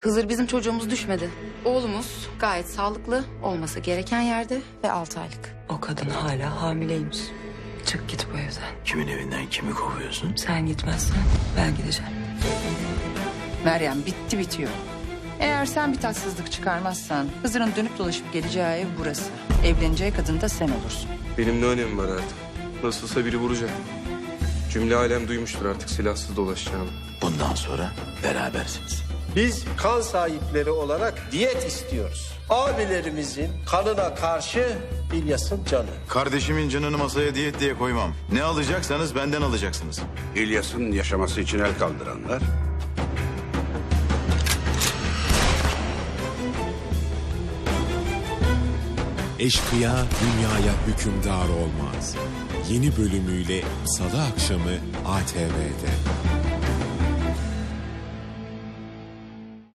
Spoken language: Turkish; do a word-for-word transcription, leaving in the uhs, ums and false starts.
Hızır bizim çocuğumuz düşmedi. Oğlumuz gayet sağlıklı, olması gereken yerde ve altı aylık. O kadın hala hamileymiş. Çık git bu evden. Kimin evinden kimi kovuyorsun? Sen gitmezsen ben gideceğim. Meryem bitti bitiyor. Eğer sen bir tatsızlık çıkarmazsan Hızır'ın dönüp dolaşıp geleceği ev burası. Evleneceği kadın da sen olursun. Benim ne önemi var artık? Nasılsa biri vuracak. Cümle alem duymuştur artık silahsız dolaşacağını. Bundan sonra berabersiniz. Biz kan sahipleri olarak diyet istiyoruz. Abilerimizin kanına karşı İlyas'ın canı. Kardeşimin canını masaya diyet diye koymam. Ne alacaksanız benden alacaksınız. İlyas'ın yaşaması için el kaldıranlar, Eşkıya dünyaya hükümdar olmaz. Yeni bölümüyle Salı akşamı A T V'de.